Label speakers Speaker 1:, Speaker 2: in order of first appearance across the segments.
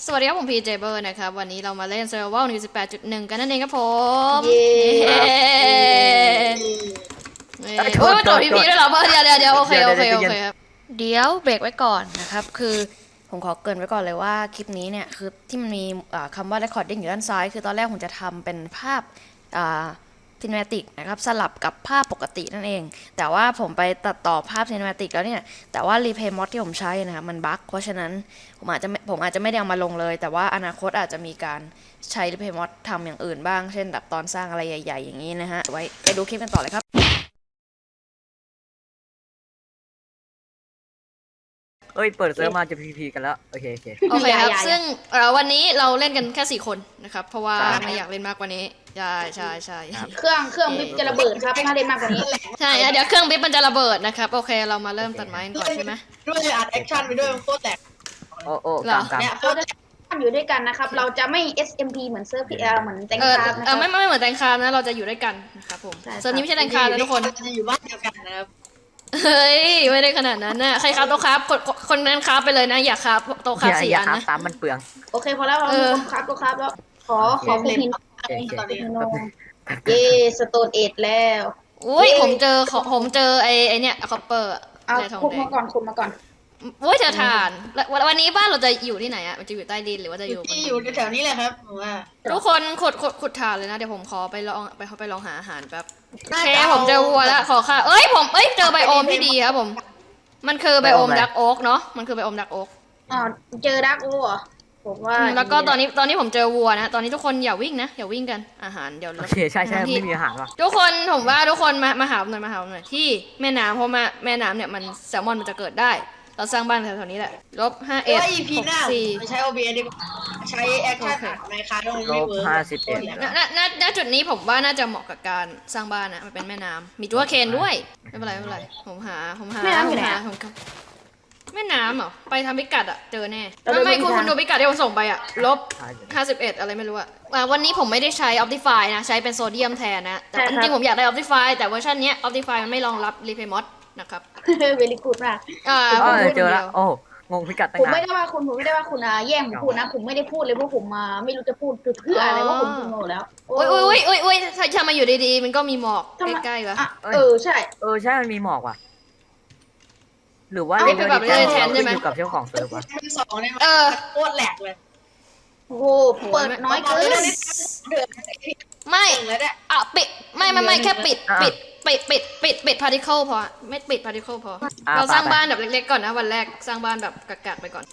Speaker 1: สวัสดีครับผมพีเจเบอร์นะครับวันนี้เรามาเล่น Survival 18.1 กันนั่นเองครับผม
Speaker 2: เย้
Speaker 1: โอ้ยต่อพีด้วยเหรอเดี๋ยวโอเคครับเดี๋ยวเบรกไว้ก่อนนะครับคือผมขอเกริ่นไว้ก่อนเลยว่าคลิปนี้เนี่ยคือที่มันมีคำว่า recording อยู่ด้านซ้ายคือตอนแรกผมจะทำเป็นภาพcinematic นะครับสลับกับภาพปกตินั่นเองแต่ว่าผมไปตัดต่อภาพ cinematic แล้วเนี่ยแต่ว่า replay mod ที่ผมใช้นะครับมันบั๊กเพราะฉะนั้นผมอาจจะไม่ได้เอามาลงเลยแต่ว่าอนาคตอาจจะมีการใช้ replay mod ทำอย่างอื่นบ้างเช่นแบบตอนสร้างอะไรใหญ่ๆอย่างนี้นะฮะไว้ไปดูคลิปกันต่อเลยครับ
Speaker 3: เอ้ยเปิดเซิร์ฟมาจะพีกันแล้วโอเค
Speaker 1: โอเคครับซึ่งวันนี้เราเล่นกันแค่4คนนะครับเพราะว่าไม่อยากเล่นมากกว่านี้ใช่
Speaker 2: เครื่องบิ๊บจะระเบิดครับถ้าเล่นมากกว่านี้
Speaker 1: ใช่เดี๋ยวเครื่องบิ๊บมันจะระเบิดนะครับโอเคเรามาเริ่มตัดไม้กันก่อนใช่ไหม
Speaker 4: ด้วยอัดแอคชั่นไปด้วยโคตรแตก
Speaker 3: โอ้กำ
Speaker 2: เนี่ยเราจะอยู่ด้วยกันนะครับเราจะไม่ SMP เหมือนเซิร์ฟเหมือนแตงคาร์นะครับ
Speaker 1: ไม่เหมือนแตงคาร์นะเราจะอยู่ด้วยกันนะครับผมเซิร์ฟนี้ไม่ใช่แตงคาร์นะทุกคน
Speaker 4: จะอยู่บ้านเดียวกันนะครับ
Speaker 1: เฮ้ยไม่ได้ขนาดนั้นนะใครครับโต๊ะครับคนนั้นครับไปเลยนะอย่าครับโต๊ะครับ4 อันนะ
Speaker 3: ตามมันเปลือง
Speaker 2: โอเคพอแล้วเราครับโต๊ะครับแล้วขอคุณพินเย่สโตนเอทแล้ว
Speaker 1: อุ้ยผมเจอไอเนี่ยคอปเปอร์
Speaker 2: เอาคุมาก่อน
Speaker 1: อุ้ยเจอถ่านวันนี้บ้านเราจะอยู่ที่ไหนอะมันจะอยู่ใต้ดินหรือว่าจะอยู่
Speaker 4: ที่อยู่แถวนี้แหละครับผมว่า
Speaker 1: ทุกคนขุดถ่านเลยนะเดี๋ยวผมขอไปลองหาอาหารแป๊บโอเคผมเจอวัวแล้วขอค่ะเจอไบโอมที่ดีครับผมมันคือไบโอมดักโอ๊กเนาะมันคือไบโอมดักโอ๊ก
Speaker 2: เจอดักโอ๊กเหรอผมว่า
Speaker 1: แล้วก็ตอนนี้ผมเจอวัวนะตอนนี้ทุกคนอย่าวิ่งนะอย่าวิ่งกันอาหารเดี๋ยว
Speaker 3: โอเคใช่ไม่มีอาหารว่ะ
Speaker 1: ทุกคนผมว่าทุกคนมาหาหน่อยที่แม่น้ำเพราะแม่น้ำเนี่ยมันแซลมอนมันจะเกิดได้เราสร้างบ้านแถวๆนี้แหละ-51
Speaker 4: 64ไม่ใช้ OBS ดีกว่าใช้แอคชั่นในคาร์ดไม่เวิร์
Speaker 1: กณจุดนี้ผมว่าน่าจะเหมาะกับการสร้างบ้านนะมันเป็นแม่น้ำมีตัวเคนด้วยไม่เป็นไรผมหา
Speaker 2: แม่น้ำอยู่ไหน
Speaker 1: แม่น้ำเหรอไปทำพิกัดอะเจอแน่ไม่คุณดูพิกัดที่ผมส่งไปอะ-51อะไรไม่รู้อะวันนี้ผมไม่ได้ใช้ Optify นะใช้เป็นโซเดียมแทนนะแต่จริงๆผมอยากได้ Optify แต่เวอร์ชันนี้ Optify มันไม่รองรับ Replay Mod นะครับ
Speaker 2: เวลิกูดมาก
Speaker 3: เจอแล้วโอ้งงพิกัดตั้งนาน
Speaker 2: ผมไม่ได้ว่าคุณแย่งผมพูดนะผมไม่ได้พูดเลยเพราะผมไม่รู้จะพูดเพื่ออะไรว่าผมงงแล้ว
Speaker 1: อุ้ยถ้ามาอยู่ดีๆมันก็มีหมอกใกล้ๆวะ
Speaker 2: ใช่
Speaker 3: มันมีหมอกว่ะหรือว่า
Speaker 1: เป็นแบบเลยแทนใช่ไหม
Speaker 3: อยู่กับเจ้าของเซิร์ฟวะ
Speaker 4: เป็น2เนี่ยโคตรแหลกเลย
Speaker 2: โอ้เปิดน้อยเกิน
Speaker 1: ไม่ปิดไม่แค่ปิดพาร์ติเคิลพอไม่ปิดพาร์ติเคิลพอเราสร้างบ้านแบบเล็กๆก่อนนะวันแรกสร้างบ้านแบบกักๆไปก่อน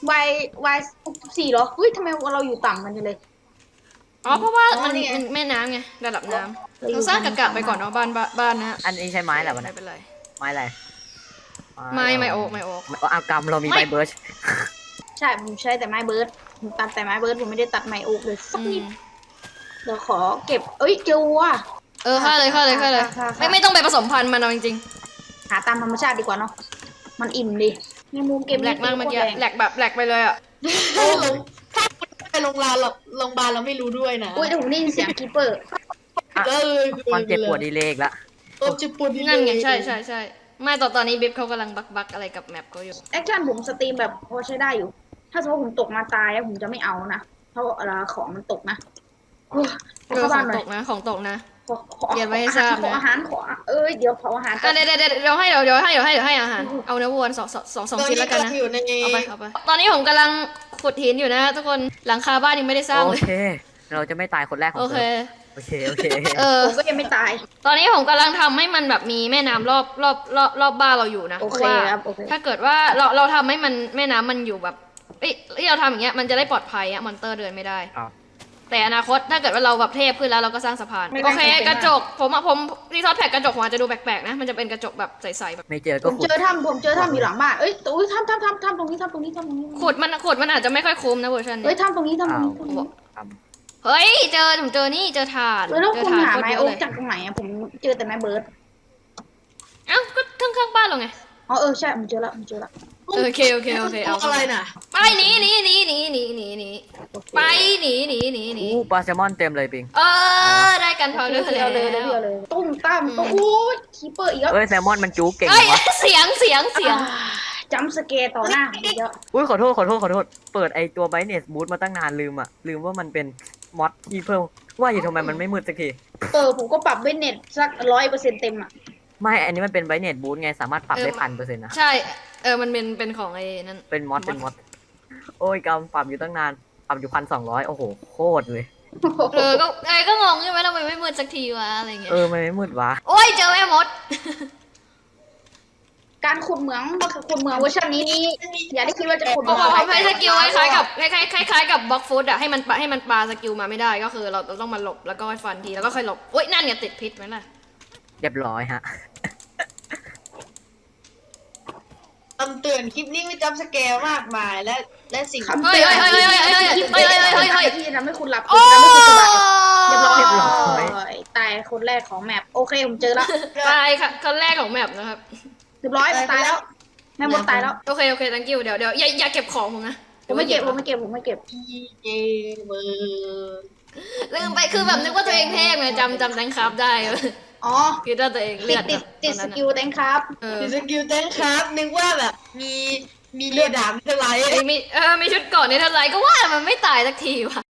Speaker 2: 4เหรอเฮ้ยทำไมเราอยู่ต่ำกันจังเลย
Speaker 1: เพราะว่ามันแม่น้ำไงระดับน้ำเราสร้างกักๆไปก่อนเนาะบ้านนะ
Speaker 3: อันนี้ใช้ไม้แหละวันนี้
Speaker 1: ไม่เป็นไร
Speaker 3: ไม้อะไร
Speaker 1: ไม่โอ๊ก
Speaker 3: เอากำเรามีไม้เบิร์ช
Speaker 2: ใช่ผมใช้แต่ไม้เบิร์ดผมตัดแต่ไม้เบิร์ดผมไม่ได้ตัดไม้โอ๊กเลยสักนิดเดี๋ยวขอเก็บเจอวัว
Speaker 1: ฆ่าเลยไม่ต้องไปผสมพันธุ์มันเอาจริง
Speaker 2: ๆหาตามธรรมชาติดีกว่าเนาะมันอิ่มดิมีมุมเก็บ
Speaker 1: แหลกมากเมื่อกี้แหลกแบบแหลกไปเลยอ่ะ
Speaker 4: ถ้าไปโรงพยาบาลเราไม่รู้ด้วยนะ
Speaker 2: อุ้ยแต่ผมได้ยินเสียงคีเปอร์
Speaker 3: ความเจ็บปวดดีเลกละ
Speaker 4: เจ็บปวดดีเล
Speaker 1: กนั่นไงใช่ไม่ตอนนี้บิ๊บเขากำลังบักอะไรกับแมปเขาอยู่
Speaker 2: แอคชั่นผมสตรีมแบบพอใช้ได้อยู่ถ้าสมมติผมตกมาตายผมจะไม่เอานะเพราะของมันตกนะ
Speaker 1: ของตกนะเดี๋ยวไว้ให้ทราบ
Speaker 2: นะอาหารขอเดี๋ยวเผาอาหาร
Speaker 1: เดี๋ยวให้อาหารเอาเนื้อวัว2ชิ้นแล้วกันนะเอาไปตอนนี้ผมกำลังขุดหินอยู่นะทุกคนหลังคาบ้านยังไม่ได้สร้างเลย
Speaker 3: โอเคเราจะไม่ตายคนแรกของ
Speaker 1: โอเค
Speaker 2: ผมก็ยังไม่ตาย
Speaker 1: ตอนนี้ผมกำลังทำให้มันแบบมีแม่น้ำรอบบ้านเราอยู่นะ
Speaker 2: เพราะว่า
Speaker 1: ถ้าเกิดว่าเราทำให้มันแม่น้ำมันอยู่แบบที่เราทำอย่างเงี้ยมันจะได้ปลอดภัยมอนเตอร์เดินไม่ได้แต่อนาคตถ้าเกิดว่าเราแบบเทพขึ้นแล้วเราก็สร้างสะพานโอเคกระจกผมที่ทอดแพ็กกระจกผมอาจจะดูแปลกๆนะมันจะเป็นกระจกแบบใสๆแบบ
Speaker 3: ไม่เจอก็
Speaker 2: ผมเจอถ้ำอยู่หลังบ้านถ้ำตรงนี้
Speaker 1: ขุดมันอาจจะไม่ค่อยคุ้มนะเวอร์ชันนี้
Speaker 2: ถ้ำตรงนี้
Speaker 1: เฮ้ยผมเจอนี่เจอถ่าน
Speaker 2: แล้วคุณหาไม้โอ๊กจากตรงไหนผมเจอแต่ไม้เบิร์ด
Speaker 1: ก็ข้างบ้านเราไง
Speaker 2: ใช่ผมเจอแล้ว
Speaker 1: โอเคเอา
Speaker 4: อะไรน่ะ
Speaker 1: ไปหนีไปหนี
Speaker 3: ปลาแซลมอนเต็มเลยปิง
Speaker 1: ได้กันพอเลย
Speaker 2: ตุ้มตั้มคีเปอร์อีกแล้ว
Speaker 3: แซลมอนมันจู๊เก่ง
Speaker 1: วะเสียง
Speaker 2: ใจจัมป์สเกร์ต่อหน้าผมเยอะ
Speaker 3: อุ้ยขอโทษเปิดไอตัวไบเนสบูทมาตั้งนานลืมว่ามันเป็นมอดที่เพิ่มว่าอยู่ทำไมมันไม่มืดสักที
Speaker 2: ผมก็ปรับเบนเน็ตสัก100%เต็มอ่ะ
Speaker 3: ไม่อันนี้มันเป็นไบเนสบูทไงสามารถปรับได้1,000%นะ
Speaker 1: ใช่มันเป็นของไอ้นั่น
Speaker 3: เป็นมอดโอ้ยกำปรับอยู่ตั้งนานปรับอยู่1,200โอ้โหโคตรเลย
Speaker 1: ก็งงใช่ไหมทำไมไม่มืดสักทีวะอะไรเงี้ย
Speaker 3: มันไม่มืดวะ
Speaker 1: โอ้ยเจอแม่มด
Speaker 2: การขุดเหมืองเวอร์ชันนี้นี่อย่าได้คิดว่าจะขุดเห
Speaker 1: ผ
Speaker 2: มื
Speaker 1: ม
Speaker 2: อง
Speaker 1: ใช้สกิลคล้ายๆกับคล้ายๆกับบล็อกฟุตอะให้มันปาสกิลมาไม่ได้ก็คือเราต้องมาหลบแล้วก็ฟันทีแล้วก็ค่อยหลบอุ้ยนั่นเนี่ยติดพิษไหมล่ะ
Speaker 3: เรียบร้อยฮะ
Speaker 4: คำเตือนคลิปนี้ไม่จำสเกลมากมายและสิ่ง
Speaker 2: คำเตือนที่ทำให้คุณหลับ
Speaker 1: โอ้
Speaker 2: ทำให้คุณสบายเรียบร้อยตายคนแรกของแมปโอเคผมเจอแล้ว
Speaker 1: ตายค่ะคนแรกของแมปนะครับ
Speaker 2: เรียบร้อยตายแล้วแม่มดตายแล้ว
Speaker 1: โอเคthank you เดี๋ยวอย่าเก็บของผมนะ
Speaker 2: ผมไม่เก็บ
Speaker 4: พี่เกมเมอร์
Speaker 1: ลืมไปคือแบบนึกว่าตัวเองเทพไงจำแตงครับได้
Speaker 2: อ๋อ
Speaker 1: คิดว่าตัวเองเลือด
Speaker 2: ติดสกิลแตงครับ
Speaker 4: มีสกิลเต้นครับนึกว่าแบบมีเรือดำอะไร
Speaker 1: มีชุดเกาะในเท่าไรก็ว่ามันไม่ตายสักทีว่ะ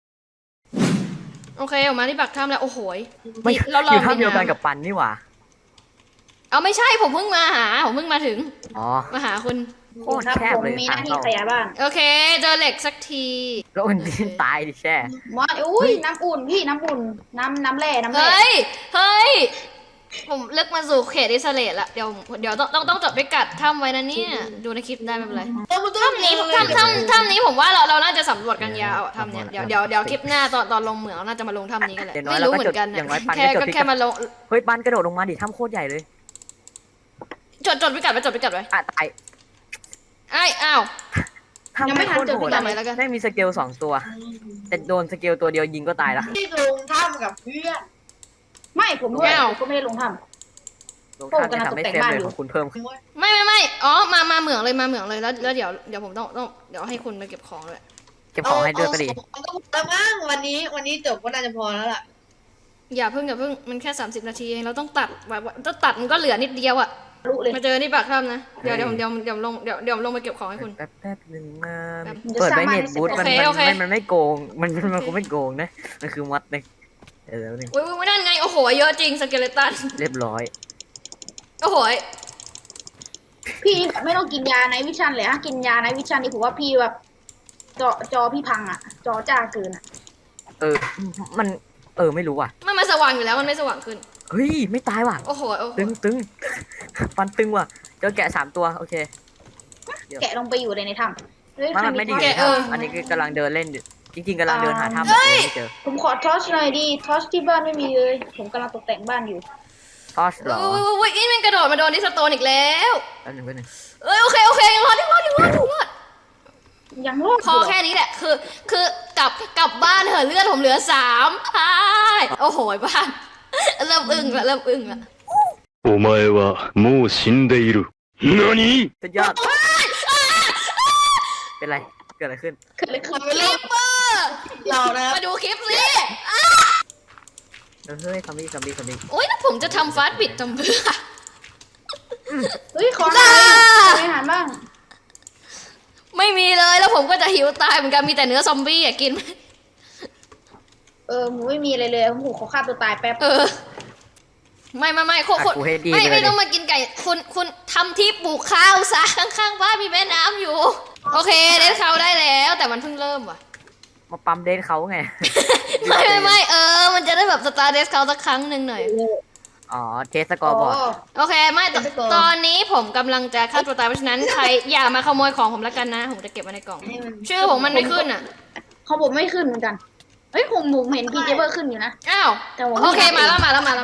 Speaker 1: โอเคออกมาที่ปากถ้ำแล้วโอ้โห
Speaker 3: ไม่
Speaker 1: เรา
Speaker 3: อยู่ท่าเดียวกันกับปันนี่หว่า
Speaker 1: เอาไม่ใช่ผมเพิ่งมาถึง
Speaker 3: อ๋อ
Speaker 1: มาหาคุณ
Speaker 3: โคตรแคบ
Speaker 2: ผม
Speaker 3: เลย
Speaker 2: มีห
Speaker 3: ทา
Speaker 2: น้าง ที่
Speaker 3: เข้า
Speaker 2: ขยายบ้าน
Speaker 1: โอเคเจอเหล็กสักที
Speaker 3: แล้วมันดิ้นตายดิแช่
Speaker 2: มาอุ้ยน้ำอุ่นพี่น้ำอุ่นน้ำแร่
Speaker 1: เฮ้ยผมเลือกมาสู่เขตอิสราเอลละเดี๋ยวต้องจดพิกัดถ้ำไว้นะเนี่ยดูในคลิปได้ไม่เป็นไรถ้ำนี้ผมว่าเราน่าจะสำรวจกันยาวถ้ำเนี้ยเดี๋ยวคลิปหน้าตอนลงเหมืองน่าจะมาลงถ้ำนี้กันแหละไม่รู้เหมือนกันแค่มาลง
Speaker 3: เฮ้ยปันกระโดดลงมาดิถ้ำโคตรใหญ่เลย
Speaker 1: จดพิกัดไว้
Speaker 3: อ่ะตาย
Speaker 1: อ้าว
Speaker 3: ถ้ำไม่โคตรโหด
Speaker 1: จำไว้แล้วกัน
Speaker 3: แม่งมีสเกล2ตัวแต่โดนสเกลตัวเดียวยิงก็ตายละ
Speaker 4: ที่ลงถ้ำกับเพื่อน
Speaker 2: ไม่ผมด้วยก็ไม่ได้ลงถ้
Speaker 3: ลงท่านจะทำให้เซฟเลยของคุณเพิ่มขึ้น
Speaker 1: ไม่อ๋อมาเหมืองเลยแล้วเดี๋ยวผมต้องเดี๋ยวให้คุณไปเก็บของเลย
Speaker 3: เก็บของให้ด้วยก็ดี
Speaker 4: แล้วมั้งวันนี้จบก็น่าจะพอแล้วล่ะ
Speaker 1: อย่าเพิ่งมันแค่30 นาทีเองเราต้องตัดมันก็เหลือนิดเดียวอ่ะ
Speaker 2: ำรู้เลย
Speaker 1: มาเจอที่ปากถ้ำนะเดี๋ยวลงไปเก็บของให้คุณ
Speaker 3: แป๊บนึงนะเปิดไบเน็ตบูทมันไม่โกงมันคงไม่โกงนะมันคือมัดเลยแล้วนึง
Speaker 1: อุ้ยนั่นไงโอ้โหเยอะจริงสเกเลตัน
Speaker 3: เรียบร้อย
Speaker 1: โอ้โห
Speaker 2: พี่แบบไม่ต้องกินยาในวิชันเลยฮะกินยาในวิชันนี่ผมว่าพี่แบบจอพี่พังอ่ะจอจ้าเกินอ่ะ
Speaker 3: มันไม่รู้อ่ะ
Speaker 1: มันสว่างอยู่แล้วมันไม่สว่างขึ้น
Speaker 3: เฮ้ยไม่ตายว่ะ
Speaker 1: โอ้โห
Speaker 3: ตึงฟันตึงว่ะเจอแกะ3ตัวโอเค
Speaker 2: แกะลงไปอยู่ในถ้ำ
Speaker 3: มันไม่ดีเลยอันนี้คือกำลังเดินเล่นจริงๆกำลังเดินหาถ้ำแบบไม่เจอ
Speaker 2: ผมขอทอชหน่อยดิทอชที่บ้านไม่มีเลยผมกำลังตกแต่งบ้านอยู่
Speaker 3: ทอชหรอ
Speaker 1: อุ้ยนี่มันกระโดดมาโดนที่สโตนอีกแล้ว
Speaker 3: แป๊บนึง
Speaker 1: โอเคยังรอด
Speaker 2: ยังรอด
Speaker 1: พอแค่นี้แหละคือกลับบ้านเถอะเลือดผมเหลือ3พายโอ้โหบ้านเริ่มอึ้งละ
Speaker 5: お前はもう死んでいる。何？
Speaker 3: สุดยอดเป็นไรเกิดอะไรขึ้น
Speaker 2: เกิดอะไรขึ้น
Speaker 1: คลิปเปอร์
Speaker 4: เรานะ
Speaker 1: มาดูคลิปสิ
Speaker 3: เฮ้ยซอมบี้
Speaker 1: โอ้ยแล้วผมจะทำฟาสต์บิดทำเพื่อ
Speaker 2: เฮ้ยขอหน่อยอาหารบ้าง
Speaker 1: ไม่มีเลยแล้วผมก็จะหิวตายเหมือนกันมีแต่เนื้อซอมบี้อะกิน
Speaker 2: ผมไม่มีอะไรเลยผมขอฆ่าตัวตายแป๊บ
Speaker 1: ไม่ไม่ต้องมากินไก่คุณทำที่ปลูกข้าวซะข้างๆบ้านมีแม่น้ำอยู่ โอเคเดนเขาได้แล้วแต่มันเพิ่งเริ่มว่ะ
Speaker 3: มาปั๊มเดนเขาไง
Speaker 1: ไม่มันจะได้แบบสตาร์เดสเขาสักครั้งหนึ่งหน่อย
Speaker 3: อ๋อเทสกอร์บอร์ด
Speaker 1: โอเคไม่ตอนนี้ผมกำลังจะฆ่าตัวตายเพราะฉะนั้นใครอย่ามาขโมยของผมแล้วกันนะผมจะเก็บไว้ในกล่องชื่อผมมันไม่ขึ้นอ่ะ
Speaker 2: เขาผมไม่ขึ้นเหมือนกันเฮ้ยผมเห็นพีเจเบอร์ขึ้นอยู่นะ
Speaker 1: อ้าวโอเคมาแล้ว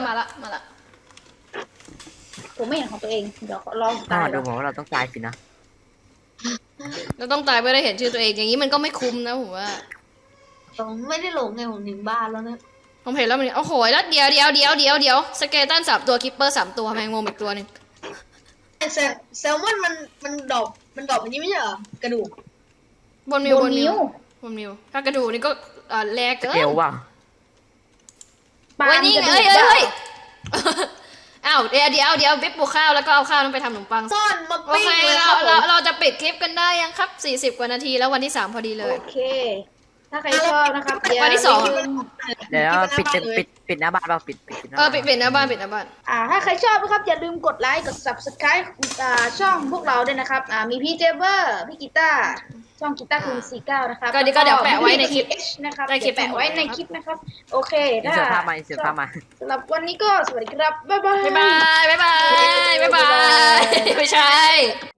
Speaker 2: ผมไม่เห็นของตัวเองเดี๋ยวลอง
Speaker 3: ต้อ
Speaker 2: ตาง ย
Speaker 3: ดูผมว่าเราต้องตายสินะ
Speaker 1: เราต้องตายเพื่อได้เห็นชื่อตัวเองอย่างนี้มันก็ไม่คุ้มนะผมว่า
Speaker 4: ผมไม่ได้หลงไงผมถึงบ้านแล้วนะ
Speaker 1: ผมเห็นแล้วมันโอ้โหแล้วเดี๋ยวสเกเลตัน3 ตัวคิปเปอร์ 3 ตัวแมงมุมอีกตัวหนึ่ง
Speaker 4: แซลมอนมันดอกอันนี้ไม่ใช่เหรอกระดูก
Speaker 1: บนมิวถ้ากระดูกนี่ก็แลกเกิน
Speaker 3: เกลว่ะ
Speaker 2: ปลา
Speaker 1: เฮ้ยนี่
Speaker 2: จะ
Speaker 1: เอ้ยอ้าวเดี๋ยวบิ๊บปลูกข้าวแล้วก็เอาข้าวนั้นไปทำขนมปัง
Speaker 4: ซ่อนมา
Speaker 1: โอ
Speaker 4: ปิ้ง
Speaker 1: เค
Speaker 4: เลยค
Speaker 1: เรา
Speaker 4: รับผม
Speaker 1: เราจะปิดคลิปกันได้ยังครับ40 กว่านาทีแล้ววันที่ 3 พอดีเลย
Speaker 2: โอเค ถ้าใครชอบนะครับอย่า
Speaker 1: วันที่สอง
Speaker 2: ลืม
Speaker 3: เดี๋ยวปิดหน้าบ้านเราปิดหน้า
Speaker 1: ปิด
Speaker 3: บ้าน
Speaker 1: ปิดหน้าบ้าน
Speaker 2: ถ้าใครชอบนะครับอย่าลืมกดไลค์กด subscribe ช่องพวกเราด้วยนะครับมีพี่เจเบอร์พี่กีตาร์ช่องกีตาร์คุณ49นะครับ
Speaker 1: ก็เดี๋ยวแปะไว้ในคลิป
Speaker 2: นะครับ
Speaker 1: ในคลิป
Speaker 2: แปะไว้ในคลิปนะครับโอเค
Speaker 3: อินเสิร์ตภาพมาอินเสิร์ตภาพมา
Speaker 2: สำหรับวันนี้ก็สวัสดีครับบ๊ายบาย
Speaker 1: บ๊ายบายไม่ใช่